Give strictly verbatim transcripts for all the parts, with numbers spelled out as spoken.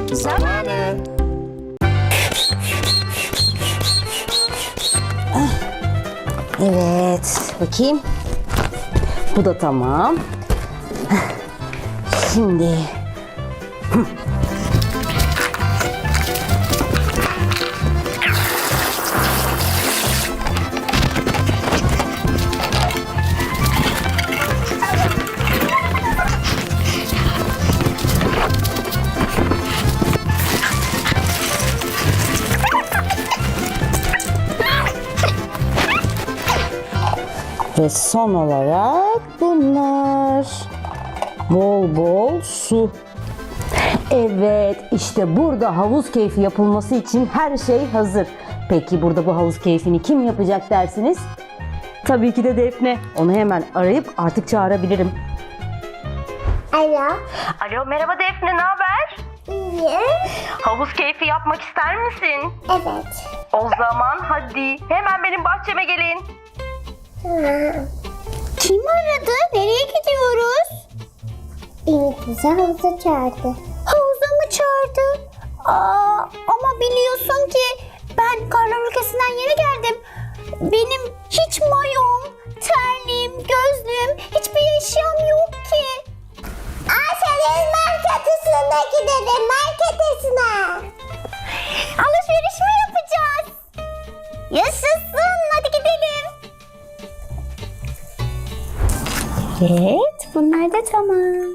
zamanı. Evet, bakayım. Bu da tamam. Şimdi ve son olarak bunlar. Bol bol su. Evet, işte burada havuz keyfi yapılması için her şey hazır. Peki burada bu havuz keyfini kim yapacak dersiniz? Tabii ki de Defne. Onu hemen arayıp artık çağırabilirim. Alo. Alo, merhaba Defne, ne haber? İyi. Havuz keyfi yapmak ister misin? Evet. O zaman hadi hemen benim bahçeme gelin. Tamam. Kim aradı? Nereye gidiyoruz? Beni bize havuza çağırdı. Havuza mı çağırdı? Aa, ama biliyorsun ki ben karlar ülkesinden yeni geldim. Benim hiç mayom, terliğim, gözlüğüm, hiçbir eşyam yok ki. Ayşe'nin marketesine gidelim, marketesine. Alışveriş mi yapacağız? Yaşasın, hadi gidelim. Evet, bunlar da tamam.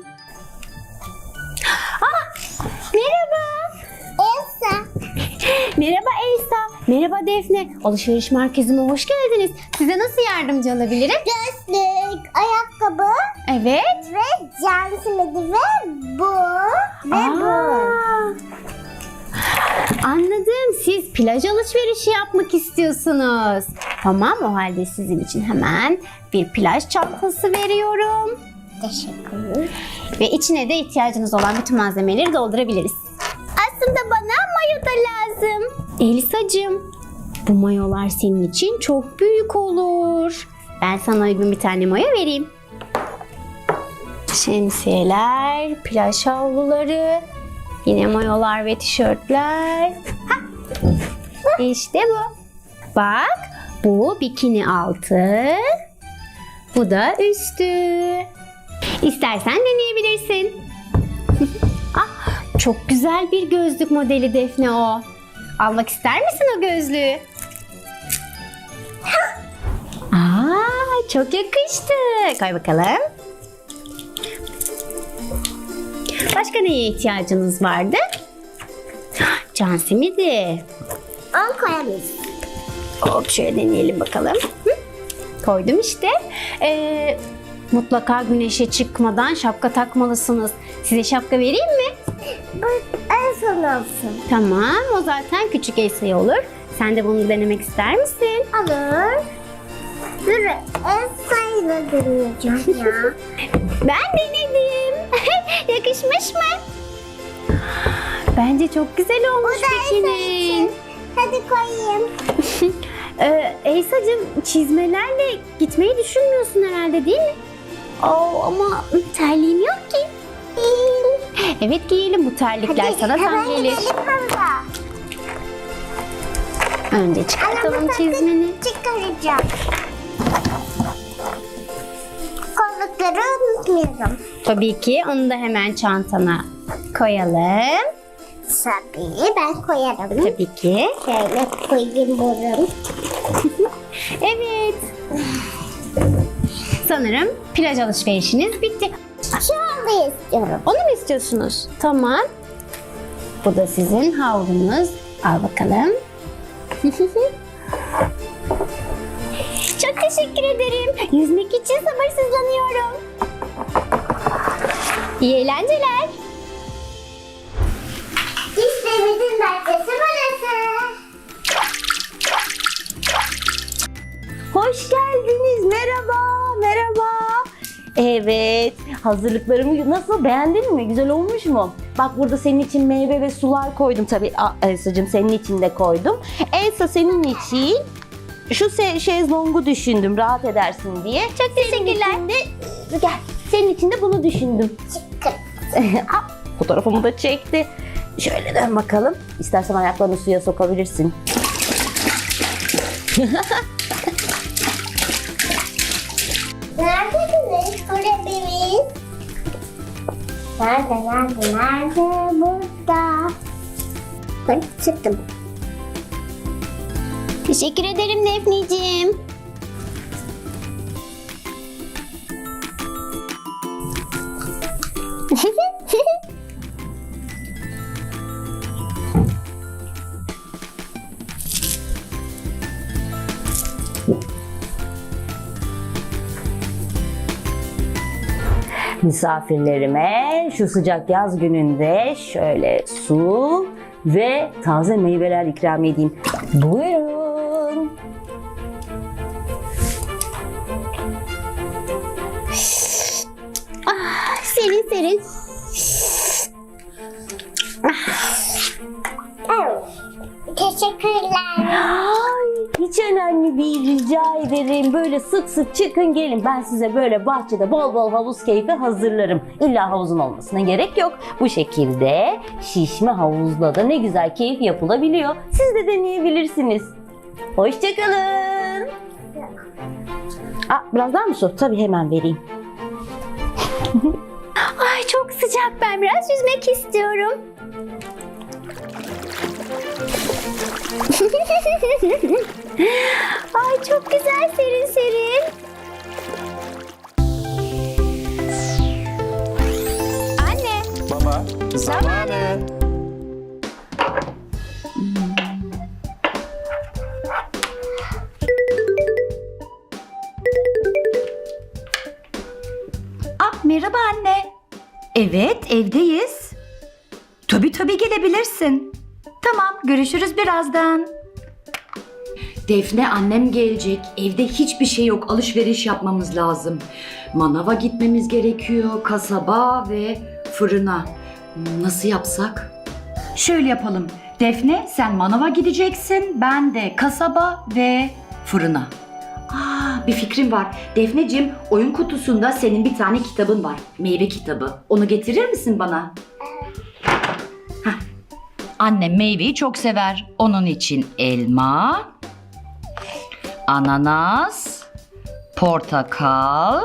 Ah, merhaba. Elsa. Merhaba Elsa. Merhaba Defne. Alışveriş merkezime hoş geldiniz. Size nasıl yardımcı olabilirim? Gözlük, ayakkabı. Evet. Ve can simidi ve bu. Ve Aa, bu. Anladım. Siz plaj alışverişi yapmak istiyorsunuz. Tamam, o halde sizin için hemen bir plaj çantası veriyorum. Teşekkür. Ve içine de ihtiyacınız olan bütün malzemeleri doldurabiliriz. Aslında bana mayo da lazım. Elisacığım, bu mayolar senin için çok büyük olur. Ben sana uygun bir tane mayo vereyim. Şemsiyeler, plaj havluları, yine mayolar ve tişörtler. Hah, İşte bu. Bak, bu bikini altı, bu da üstü. İstersen deneyebilirsin. Ah, çok güzel bir gözlük modeli Defne o. Almak ister misin o gözlüğü? Aa, çok yakıştı. Koy bakalım. Başka neye ihtiyacınız vardı? Can simidi. On koyamayız. Hop, şöyle deneyelim bakalım. Hı? Koydum işte. Ee, mutlaka güneşe çıkmadan şapka takmalısınız. Size şapka vereyim mi? Bu en son olsun. Tamam, o zaten küçük Elsa'ya olur. Sen de bunu denemek ister misin? Olur. Dur, en sayıda deneyeceğim ya. Ben denedim. Yakışmış mı? Bence çok güzel olmuş Bu da Elsa bikinin. için. Hadi koyayım. Ee, Elsa'cığım, çizmelerle gitmeyi düşünmüyorsun herhalde, değil mi? Oo, ama terliğim yok ki. Evet, giyelim, bu terlikler Hadi sana tam hemen gelir. gidelim havuza. Önce çıkartalım Ama çizmeni. çıkaracağım. Kollukları unutmayalım. Tabii ki, onu da hemen çantana koyalım. Tabii ben koyarım. Tabii ki. Şöyle koyayım buram. Evet. Sanırım plaj alışverişiniz bitti. Şu anda istiyorum. Onu mu istiyorsunuz? Tamam. Bu da sizin havlunuz. Al bakalım. Çok teşekkür ederim. Yüzmek için sabırsızlanıyorum. İyi eğlenceler. İşte bizim merkezi burası. Hoş geldiniz. Merhaba, merhaba. Evet, hazırlıklarımı nasıl, beğendin mi? Güzel olmuş mu? Bak, burada senin için meyve ve sular koydum tabii. Elsa'cığım, senin için de koydum. Elsa, senin için şu se- şezlongu düşündüm, rahat edersin diye. Çok teşekkürler. Gel, senin için de bunu düşündüm. Çıkın. Fotoğrafımı da çekti. Şöyle dön bakalım. İstersen ayaklarını suya sokabilirsin. Neredesiniz kurabimiz? Nerede, nerede, nerede? Burada. Ben çıktım. Teşekkür ederim Defneciğim. Misafirlerime şu sıcak yaz gününde şöyle su ve taze meyveler ikram edeyim. Buyurun. Serin serin. Teşekkürler. Ay, hiç önemli değil, rica ederim. Böyle sık sık çıkın gelin. Ben size böyle bahçede bol bol havuz keyfi hazırlarım. İlla havuzun olmasına gerek yok. Bu şekilde şişme havuzla da ne güzel keyif yapılabiliyor. Siz de deneyebilirsiniz. Hoşçakalın. Aa, biraz daha mı su? Tabii hemen vereyim. Ay çok sıcak, ben biraz yüzmek istiyorum. Ay çok güzel, serin serin. Anne. Baba, zamanı. Ah, merhaba anne. Evet, evdeyiz. Tabii tabii gelebilirsin. Tamam, görüşürüz birazdan. Defne, annem gelecek. Evde hiçbir şey yok. Alışveriş yapmamız lazım. Manava gitmemiz gerekiyor. Kasaba ve fırına. Nasıl yapsak? Şöyle yapalım. Defne, sen manava gideceksin. Ben de kasaba ve fırına. Aa, bir fikrim var. Defneciğim, oyun kutusunda senin bir tane kitabın var. Meyve kitabı. Onu getirir misin bana? Hah. Annem meyveyi çok sever. Onun için elma, ananas, portakal,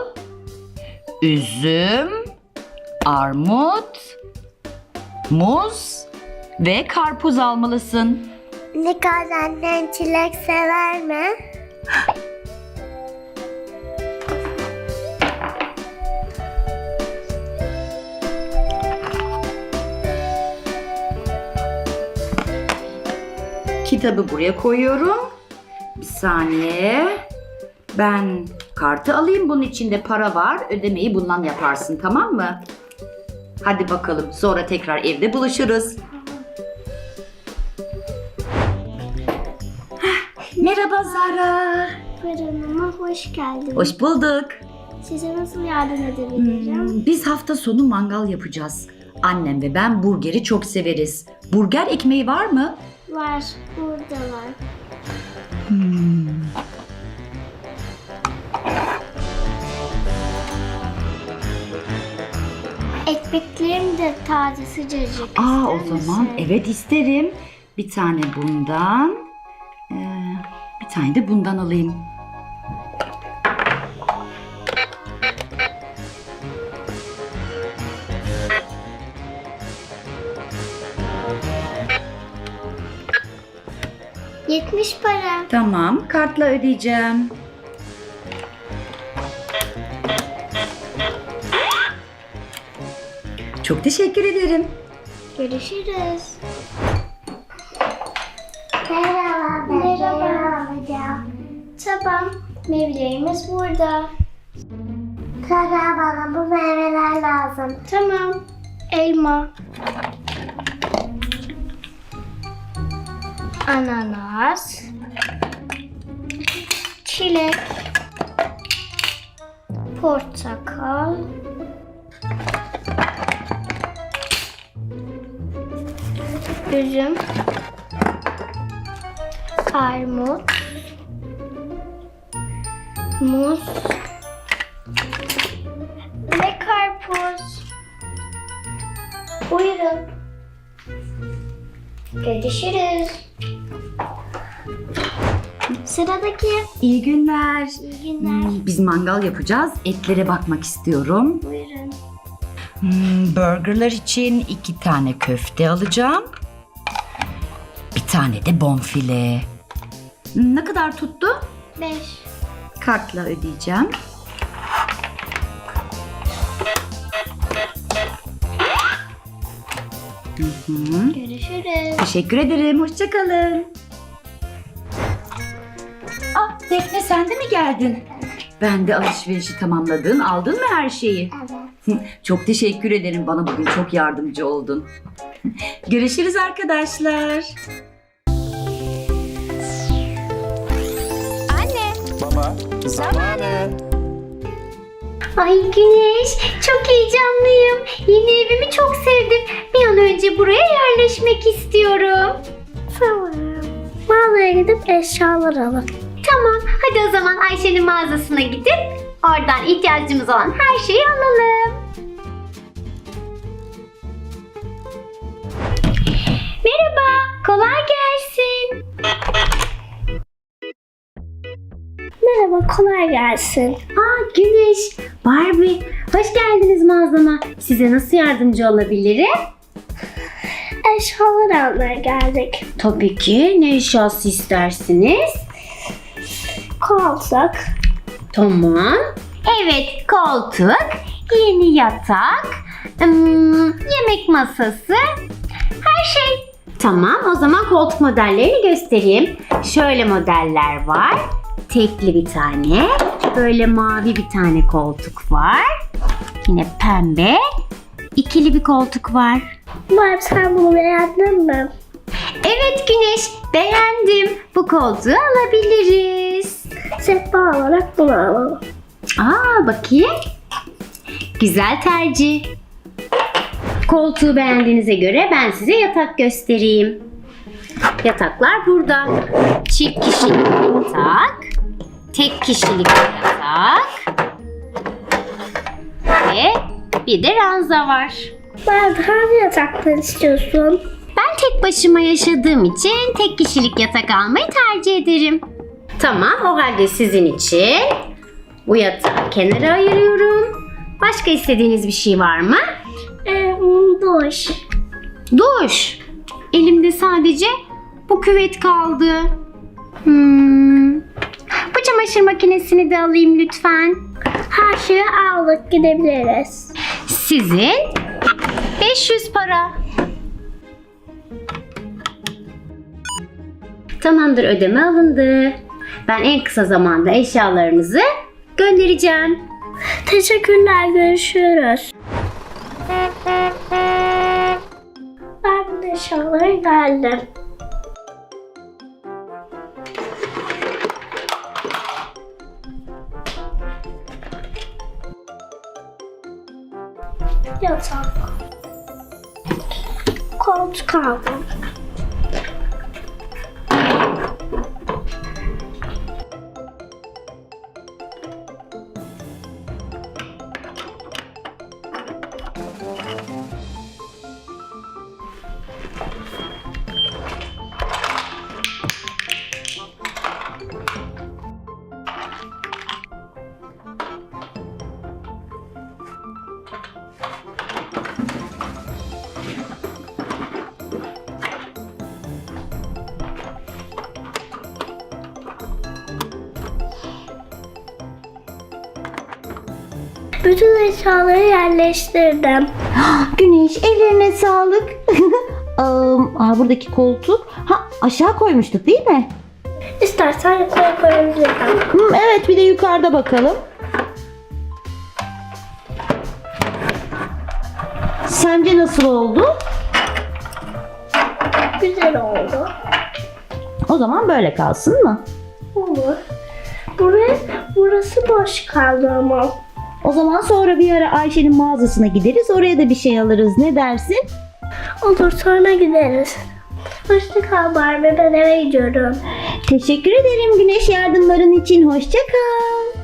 üzüm, armut, muz ve karpuz almalısın. Nikaz annen çilek sever mi? Kitabı buraya koyuyorum. Bir saniye. Ben kartı alayım. Bunun içinde para var. Ödemeyi bundan yaparsın, tamam mı? Hadi bakalım. Sonra tekrar evde buluşuruz. Hah, merhaba Zara. Fırınıma hoş geldiniz. Hoş bulduk. Size nasıl yardım edebilirim? Hmm, biz hafta sonu mangal yapacağız. Annem ve ben burgeri çok severiz. Burger ekmeği var mı? Var, burada var. Hmm. Ekmeklerim de taze sıcacık. Aa, o İster zaman misin? evet isterim. Bir tane bundan, ee, bir tane de bundan alayım. yetmiş para. Tamam, kartla ödeyeceğim. Çok teşekkür ederim. Görüşürüz. Merhaba. Merhaba. Tamam. Meyvelerimiz burada. Kara bana bu meyveler lazım. Tamam. Elma. Ananas. Çilek. Portakal. Üzüm. Armut. Muz. Ve karpuz. Buyurun. Görüşürüz. Sıradaki. İyi günler. İyi günler. Hmm, Biz mangal yapacağız. Etlere bakmak istiyorum. Buyurun. Hmm, burgerlar için iki tane köfte alacağım. Bir tane de bonfile. Hmm, Ne kadar tuttu? Beş. Kartla ödeyeceğim. Hı hı. Görüşürüz. Teşekkür ederim. Hoşça kalın. Ah, Defne sen de mi geldin? Ben de alışverişi tamamladın. Aldın mı her şeyi? Evet. Çok teşekkür ederim. Bana bugün çok yardımcı oldun. Görüşürüz arkadaşlar. Baba zamanı. Ay Güneş, çok heyecanlıyım. Yeni evimi çok sevdim. Bir an önce buraya yerleşmek istiyorum. Tamam. Mağazaya gidip eşyalar alalım. Tamam, hadi o zaman Ayşe'nin mağazasına gidip oradan ihtiyacımız olan her şeyi alalım. Merhaba, kolay gelsin. Merhaba, kolay gelsin. Aa Güneş, Barbie, hoş geldiniz mağazama. Size nasıl yardımcı olabilirim? Eşyalar almaya geldik. Tabii ki, ne eşyası istersiniz? Koltuk, Tamam. Evet, koltuk, yeni yatak, ım, yemek masası, her şey. Tamam, o zaman koltuk modellerini göstereyim. Şöyle modeller var. Tekli bir tane, böyle mavi bir tane koltuk var. Yine pembe, ikili bir koltuk var. Barb sen bunu beğendin mi? Evet Güneş, beğendim. Bu koltuğu alabiliriz. Sehpa olarak bunu alalım. Aa bakayım. Güzel tercih. Koltuğu beğendiğinize göre ben size yatak göstereyim. Yataklar burada. Çift kişilik yatak, tek kişilik yatak ve bir de ranza var. Barb hangi yataktan istiyorsun? Ben tek başıma yaşadığım için tek kişilik yatak almayı tercih ederim. Tamam, o halde sizin için bu yatağı kenara ayırıyorum. Başka istediğiniz bir şey var mı? Ee, duş. Duş. Elimde sadece bu küvet kaldı. Hmm. Bu çamaşır makinesini de alayım lütfen. Her şeyi aldık, gidebiliriz. Sizin beş yüz para. Tamamdır, ödeme alındı. Ben en kısa zamanda eşyalarınızı göndereceğim. Teşekkürler, görüşürüz. Barb'ın eşyaları geldi. Yatak. Koltuk aldım. Bütün eşyaları yerleştirdim. Güneş ellerine sağlık. Am, Aa, buradaki koltuk. Ha, aşağı koymuştuk değil mi? İstersen yukarı koyabilirim. Hı, evet, bir de yukarıda bakalım. Sence nasıl oldu? Güzel oldu. O zaman böyle kalsın mı? Olur. Buraya, burası boş kaldı ama. O zaman sonra bir ara Ayşe'nin mağazasına gideriz. Oraya da bir şey alırız. Ne dersin? Olur, sonra gideriz. Hoşça kal Barbie, ben eve gidiyorum. Teşekkür ederim Güneş, yardımların için. Hoşça kal.